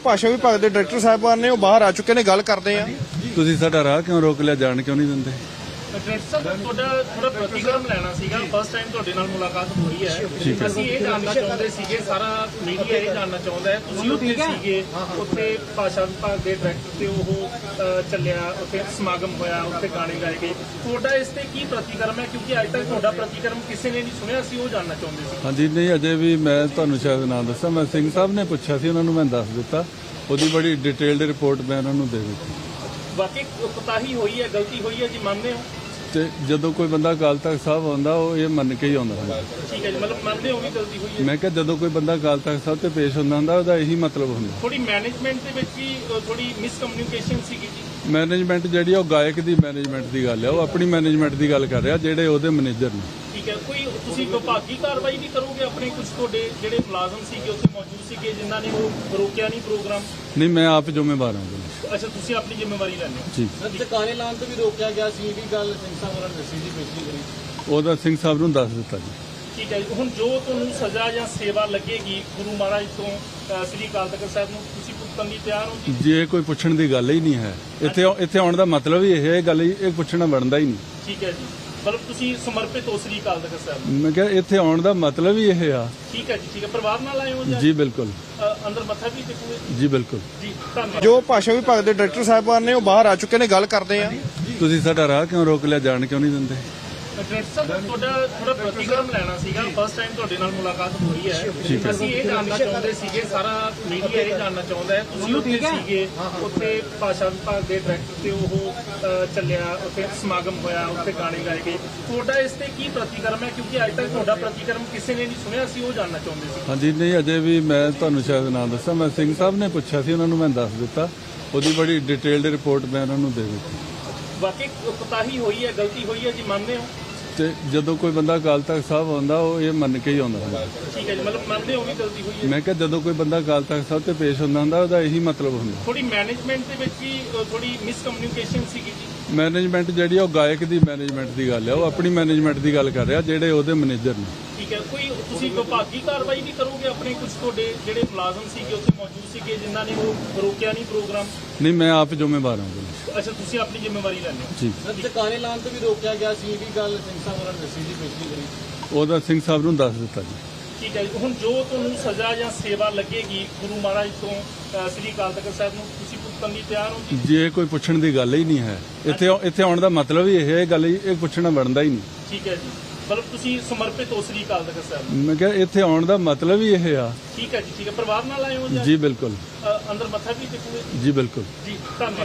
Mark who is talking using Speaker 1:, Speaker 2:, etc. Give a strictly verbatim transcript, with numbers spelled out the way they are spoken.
Speaker 1: ਭਾਸ਼ਾ ਵਿਭਾਗ ਦੇ ਡਾਇਰੈਕਟਰ ਸਾਹਿਬਾਨ ਨੇ ਉਹ ਬਾਹਰ ਆ ਚੁੱਕੇ ਨੇ, ਗੱਲ ਕਰਦੇ ਆ।
Speaker 2: ਤੁਸੀਂ ਸਾਡਾ ਰਾਹ ਕਿਉਂ ਰੋਕ ਲਿਆ, ਜਾਣ ਕਿਉਂ ਨਹੀਂ ਦਿੰਦੇ?
Speaker 3: ਡਾਇਰੈਕਟਰ ਸਾਹਿਬ ਤੁਹਾਡਾ ਥੋੜਾ ਪ੍ਰਤੀਕਰਮ ਲੈਣਾ ਸੀਗਾ। ਫਸਟ ਟਾਈਮ ਤੁਹਾਡੇ ਨਾਲ ਮੁਲਾਕਾਤ ਹੋਈ ਹੈ। ਅਸੀਂ ਇਹ ਜਾਣਨਾ ਚਾਹੁੰਦੇ ਸੀਗੇ, ਸਾਰਾ ਮੀਡੀਆ ਇਹ ਜਾਣਨਾ ਚਾਹੁੰਦਾ ਹੈ, ਤੁਸੀਂ ਉੱਥੇ ਸੀਗੇ, ਉੱਥੇ ਭਾਸ਼ਾ ਵਿਭਾਗ ਦੇ ਡਾਇਰੈਕਟਰ ਤੇ ਉਹ ਅ, ਚੱਲਿਆ, ਉੱਥੇ ਸਮਾਗਮ ਹੋਇਆ, ਉੱਥੇ ਗਾਣੇ ਗਾਏ ਗਏ, ਤੁਹਾਡਾ ਇਸ ਤੇ ਕੀ ਪ੍ਰਤੀਕਰਮ ਹੈ? ਕਿਉਂਕਿ ਅੱਜ ਤੱਕ ਤੁਹਾਡਾ ਪ੍ਰਤੀਕਰਮ ਕਿਸੇ ਨੇ ਨਹੀਂ ਸੁਣਿਆ, ਅਸੀਂ ਉਹ ਜਾਣਨਾ ਚਾਹੁੰਦੇ ਸੀ।
Speaker 2: ਹਾਂਜੀ, ਨਹੀਂ ਅਜੇ ਵੀ ਮੈਂ ਤੁਹਾਨੂੰ ਸ਼ਾਇਦ ਨਾ ਦੱਸਾਂ, ਮੈਂ ਸਿੰਘ ਸਾਹਿਬ ਨੇ ਪੁੱਛਿਆ ਸੀ, ਉਹਨਾਂ ਨੂੰ ਮੈਂ ਦੱਸ ਦਿੱਤਾ, ਉਹਦੀ ਬੜੀ ਡਿਟੇਲਡ ਰਿਪੋਰਟ ਮੈਂ ਉਹਨਾਂ ਨੂੰ ਦੇ ਦਿੱਤੀ।
Speaker 3: ਵਾਕਈ ਕੋਤਾਹੀ ਹੋਈ ਹੈ, ਗਲਤੀ ਹੋਈ ਹੈ ਜੀ, ਮੰਨਦੇ ਹੋ?
Speaker 2: ਤੇ ਜਦੋਂ ਕੋਈ ਬੰਦਾ ਅਕਾਲ ਤਖਤ ਸਾਹਿਬ ਆਉਂਦਾ ਉਹ ਇਹ ਮੰਨ ਕੇ ਹੀ ਆਉਂਦਾ ਹੁੰਦਾ।
Speaker 3: ਠੀਕ ਹੈ ਜੀ, ਮਤਲਬ ਮੰਨਦੇ ਹੋ ਵੀ ਗਲਤੀ ਹੋਈ ਹੈ?
Speaker 2: ਮੈਂ ਕਿਹਾ ਜਦੋਂ ਕੋਈ ਬੰਦਾ ਅਕਾਲ ਤਖਤ ਸਾਹਿਬ ਤੇ ਪੇਸ਼ ਹੁੰਦਾ ਹੁੰਦਾ ਉਹਦਾ ਇਹੀ ਮਤਲਬ ਹੁੰਦਾ।
Speaker 3: ਥੋੜੀ ਮੈਨੇਜਮੈਂਟ ਦੇ ਵਿੱਚ ਵੀ ਅ, ਥੋੜੀ ਮਿਸਕਮਿਊਨੀਕੇਸ਼ਨ ਸੀਗੀ ਜੀ।
Speaker 2: ਮੈਨੇਜਮੈਂਟ ਜਿਹੜੀ ਆ ਉਹ ਗਾਇਕ ਦੀ ਮੈਨੇਜਮੈਂਟ ਦੀ ਗੱਲ ਹੈ, ਉਹ ਆਪਣੀ ਮੈਨੇਜਮੈਂਟ ਦੀ ਗੱਲ ਕਰ ਰਿਹਾ, ਜਿਹੜੇ ਉਹਦੇ ਮੈਨੇਜਰ ਨੇ।
Speaker 3: ਠੀਕ ਹੈ, ਕੋਈ ਤੁਸੀਂ ਵਿਭਾਗੀ ਕਾਰਵਾਈ ਵੀ ਕਰੋਗੇ? ਆਪਣੇ ਕੁਝ ਤੁਹਾਡੇ ਜਿਹੜੇ ਮੁਲਾਜ਼ਮ ਸੀਗੇ ਉੱਥੇ ਮੌਜੂਦ ਸੀਗੇ ਜਿਨ੍ਹਾਂ ਨੇ ਉਹ ਰੋਕਿਆ ਨਹੀਂ ਪ੍ਰੋਗਰਾਮ?
Speaker 2: ਨਹੀਂ, ਮੈਂ ਆਪ ਜ਼ਿੰਮੇਵਾਰ ਹਾਂ।
Speaker 3: ਅੱਛਾ, ਤੁਸੀਂ ਆਪਣੀ ਜ਼ਿੰਮੇਵਾਰੀ ਲੈਂਦੇ ਹੋ।
Speaker 2: ਜੀ,
Speaker 4: ਦੁਕਾਨੇ ਲਾਉਣ ਤੋਂ ਵੀ ਰੋਕਿਆ ਗਿਆ ਸੀ, ਇਹ ਵੀ ਗੱਲ ਸਿੰਘ ਸਾਹਿਬ ਹੋਰਾਂ ਨੇ ਦੱਸੀ ਸੀ ਪਿਛਲੀ ਵਾਰੀ।
Speaker 2: ਉਹਦਾ ਸਿੰਘ ਸਾਹਿਬ ਨੂੰ ਦੱਸ ਦਿੱਤਾ ਜੀ।
Speaker 3: ਠੀਕ ਹੈ ਜੀ, ਹੁਣ ਜੋ ਤੁਹਾਨੂੰ ਸਜ਼ਾ ਜਾਂ ਸੇਵਾ ਲੱਗੇਗੀ ਗੁਰੂ ਮਹਾਰਾਜ ਤੋਂ ਅ, ਸ੍ਰੀ ਅਕਾਲ ਤਖਤ ਸਾਹਿਬ ਨੂੰ, ਤੁਸੀਂ ਭੁਗਤਣ ਲਈ ਤਿਆਰ ਹੋ ਜੀ?
Speaker 2: ਜੇ ਕੋਈ ਪੁੱਛਣ ਦੀ ਗੱਲ ਹੀ ਨਹੀਂ ਹੈ, ਇੱਥੇ ਇੱਥੇ ਆਉਣ ਦਾ ਮਤਲਬ ਹੀ ਇਹ ਹੈ, ਗੱਲ ਹੀ ਇਹ ਪੁੱਛਣਾ ਬਣਦਾ ਹੀ ਨਹੀਂ।
Speaker 3: ਠੀਕ ਹੈ ਜੀ, ਮਤਲਬ ਤੁਸੀਂ ਸਮਰਪਿਤ ਹੋ ਸ੍ਰੀ ਅਕਾਲ ਤਖਤ ਸਾਹਿਬ ਨੂੰ?
Speaker 2: ਮੈਂ ਕਿਹਾ ਇੱਥੇ ਆਉਣ ਦਾ ਮਤਲਬ ਹੀ ਇਹ ਆ।
Speaker 3: ਠੀਕ ਹੈ ਜੀ, ਠੀਕ ਹੈ। ਪਰਿਵਾਰ ਨਾਲ ਆਏ ਹੋ ਜਾਂ
Speaker 2: ਜੀ ਬਿਲਕੁਲ,
Speaker 3: ਅ, ਅੰਦਰ ਮੱਥਾ ਵੀ ਟੇਕੋਗੇ?
Speaker 2: ਜੀ ਬਿਲਕੁਲ।
Speaker 3: ਜੀ, ਧੰਨਵਾਦ।
Speaker 1: ਜੋ ਭਾਸ਼ਾ ਵਿਭਾਗ ਦੇ ਡਾਇਰੈਕਟਰ ਸਾਹਿਬਾਨ ਨੇ ਉਹ ਬਾਹਰ ਆ ਚੁੱਕੇ ਨੇ, ਗੱਲ ਕਰਦੇ ਆ।
Speaker 2: ਤੁਸੀਂ ਸਾਡਾ ਰਾਹ ਕਿਉਂ ਰੋਕ ਲਿਆ, ਜਾਣ ਕਿਉਂ ਨਹੀਂ ਦਿੰਦੇ?
Speaker 3: ਡਾਇਰੈਕਟਰ ਸਾਹਿਬ ਤੁਹਾਡਾ ਥੋੜਾ ਪ੍ਰਤੀਕਰਮ ਲੈਣਾ ਸੀਗਾ। ਫਸਟ ਟਾਈਮ ਤੁਹਾਡੇ ਨਾਲ ਮੁਲਾਕਾਤ ਹੋਈ ਹੈ। ਅਸੀਂ ਇਹ ਜਾਣਨਾ ਚਾਹੁੰਦੇ ਸੀਗੇ, ਸਾਰਾ ਮੀਡੀਆ ਇਹ ਜਾਣਨਾ ਚਾਹੁੰਦਾ ਹੈ, ਤੁਸੀਂ ਉੱਥੇ ਸੀਗੇ, ਉੱਥੇ ਭਾਸ਼ਾ ਵਿਭਾਗ ਦੇ ਡਾਇਰੈਕਟਰ ਤੇ ਉਹ ਅ, ਚੱਲਿਆ, ਉੱਥੇ ਸਮਾਗਮ ਹੋਇਆ, ਉੱਥੇ ਗਾਣੇ ਗਾਏ ਗਏ, ਤੁਹਾਡਾ ਇਸ ਤੇ ਕੀ ਪ੍ਰਤੀਕਰਮ ਹੈ? ਕਿਉਂਕਿ ਅੱਜ ਤੱਕ ਤੁਹਾਡਾ ਪ੍ਰਤੀਕਰਮ ਕਿਸੇ ਨੇ ਨਹੀਂ ਸੁਣਿਆ, ਅਸੀਂ ਉਹ ਜਾਣਨਾ ਚਾਹੁੰਦੇ ਸੀ।
Speaker 2: ਹਾਂਜੀ, ਨਹੀਂ ਅਜੇ ਵੀ ਮੈਂ ਤੁਹਾਨੂੰ ਸ਼ਾਇਦ ਨਾ ਦੱਸਾਂ, ਮੈਂ ਸਿੰਘ ਸਾਹਿਬ ਨੇ ਪੁੱਛਿਆ ਸੀ, ਉਹਨਾਂ ਨੂੰ ਮੈਂ ਦੱਸ ਦਿੱਤਾ, ਉਹਦੀ ਬੜੀ ਡਿਟੇਲਡ ਰਿਪੋਰਟ ਮੈਂ ਉਹਨਾਂ ਨੂੰ ਦੇ ਦਿੱਤੀ।
Speaker 3: ਵਾਕਈ ਕੋਤਾਹੀ ਹੋਈ ਹੈ, ਗਲਤੀ ਹੋਈ ਹੈ ਜੀ, ਮੰਨਦੇ ਹੋ?
Speaker 2: ਤੇ ਜਦੋਂ ਕੋਈ ਬੰਦਾ ਅਕਾਲ ਤਖਤ ਸਾਹਿਬ ਆਉਂਦਾ ਉਹ ਇਹ ਮੰਨ ਕੇ ਹੀ ਆਉਂਦਾ ਹੁੰਦਾ।
Speaker 3: ਠੀਕ ਹੈ ਜੀ, ਮਤਲਬ ਮੰਨਦੇ ਹੋ ਵੀ ਗਲਤੀ ਹੋਈ ਹੈ?
Speaker 2: ਮੈਂ ਕਿਹਾ ਜਦੋਂ ਕੋਈ ਬੰਦਾ ਅਕਾਲ ਤਖਤ ਸਾਹਿਬ ਤੇ ਪੇਸ਼ ਹੁੰਦਾ ਹੁੰਦਾ ਉਹਦਾ ਇਹੀ ਮਤਲਬ ਹੁੰਦਾ।
Speaker 3: ਥੋੜੀ ਮੈਨੇਜਮੈਂਟ ਦੇ ਵਿੱਚ ਵੀ ਅ, ਥੋੜੀ ਮਿਸਕਮਿਊਨੀਕੇਸ਼ਨ ਸੀਗੀ ਜੀ।
Speaker 2: ਮੈਨੇਜਮੈਂਟ ਜਿਹੜੀ ਆ ਉਹ ਗਾਇਕ ਦੀ ਮੈਨੇਜਮੈਂਟ ਦੀ ਗੱਲ ਹੈ, ਉਹ ਆਪਣੀ ਮੈਨੇਜਮੈਂਟ ਦੀ ਗੱਲ ਕਰ ਰਿਹਾ, ਜਿਹੜੇ ਉਹਦੇ ਮੈਨੇਜਰ ਨੇ।
Speaker 3: ਠੀਕ ਹੈ, ਕੋਈ ਤੁਸੀਂ ਵਿਭਾਗੀ ਕਾਰਵਾਈ ਵੀ ਕਰੋਗੇ? ਆਪਣੇ ਕੁਝ ਤੁਹਾਡੇ ਜਿਹੜੇ ਮੁਲਾਜ਼ਮ ਸੀਗੇ ਉੱਥੇ ਮੌਜੂਦ ਸੀਗੇ ਜਿਨ੍ਹਾਂ ਨੇ ਉਹ ਰੋਕਿਆ ਨਹੀਂ ਪ੍ਰੋਗਰਾਮ?
Speaker 2: ਨਹੀਂ, ਮੈਂ ਆਪ ਜ਼ਿੰਮੇਵਾਰ ਹਾਂ।
Speaker 3: ਅੱਛਾ, ਤੁਸੀਂ ਆਪਣੀ ਜ਼ਿੰਮੇਵਾਰੀ ਲੈਂਦੇ ਹੋ।
Speaker 2: ਜੀ,
Speaker 4: ਦੁਕਾਨੇ ਲਾਉਣ ਤੋਂ ਵੀ ਰੋਕਿਆ ਗਿਆ ਸੀ, ਇਹ ਵੀ ਗੱਲ ਸਿੰਘ ਸਾਹਿਬ ਹੋਰਾਂ ਨੇ ਦੱਸੀ ਸੀ ਪਿਛਲੀ ਵਾਰੀ।
Speaker 2: ਉਹਦਾ ਸਿੰਘ ਸਾਹਿਬ ਨੂੰ ਦੱਸ ਦਿੱਤਾ ਜੀ।
Speaker 3: ਠੀਕ ਹੈ ਜੀ, ਹੁਣ ਜੋ ਤੁਹਾਨੂੰ ਸਜ਼ਾ ਜਾਂ ਸੇਵਾ ਲੱਗੇਗੀ ਗੁਰੂ ਮਹਾਰਾਜ ਤੋਂ ਅ, ਸ੍ਰੀ ਅਕਾਲ ਤਖਤ ਸਾਹਿਬ ਨੂੰ, ਤੁਸੀਂ ਭੁਗਤਣ ਲਈ ਤਿਆਰ ਹੋ ਜੀ?
Speaker 2: ਜੇ ਕੋਈ ਪੁੱਛਣ ਦੀ ਗੱਲ ਹੀ ਨਹੀਂ ਹੈ, ਇੱਥੇ ਇੱਥੇ ਆਉਣ ਦਾ ਮਤਲਬ ਹੀ ਇਹ ਹੈ, ਗੱਲ ਹੀ ਇਹ ਪੁੱਛਣਾ ਬਣਦਾ ਹੀ ਨਹੀਂ।
Speaker 3: ਠੀਕ ਹੈ ਜੀ, ਮਤਲਬ ਤੁਸੀਂ ਸਮਰਪਿਤ ਹੋ ਸ੍ਰੀ ਅਕਾਲ ਤਖਤ ਸਾਹਿਬ ਨੂੰ?
Speaker 2: ਮੈਂ ਕਿਹਾ ਇੱਥੇ ਆਉਣ ਦਾ ਮਤਲਬ ਹੀ ਇਹ ਆ।
Speaker 3: ਠੀਕ ਹੈ ਜੀ, ਠੀਕ ਹੈ। ਪਰਿਵਾਰ ਨਾਲ ਆਏ ਹੋ ਜਾਂ
Speaker 2: ਜੀ ਬਿਲਕੁਲ,
Speaker 3: ਅ, ਅੰਦਰ ਮੱਥਾ ਵੀ ਟੇਕੋਗੇ?
Speaker 2: ਜੀ ਬਿਲਕੁਲ।
Speaker 3: ਜੀ, ਧੰਨਵਾਦ।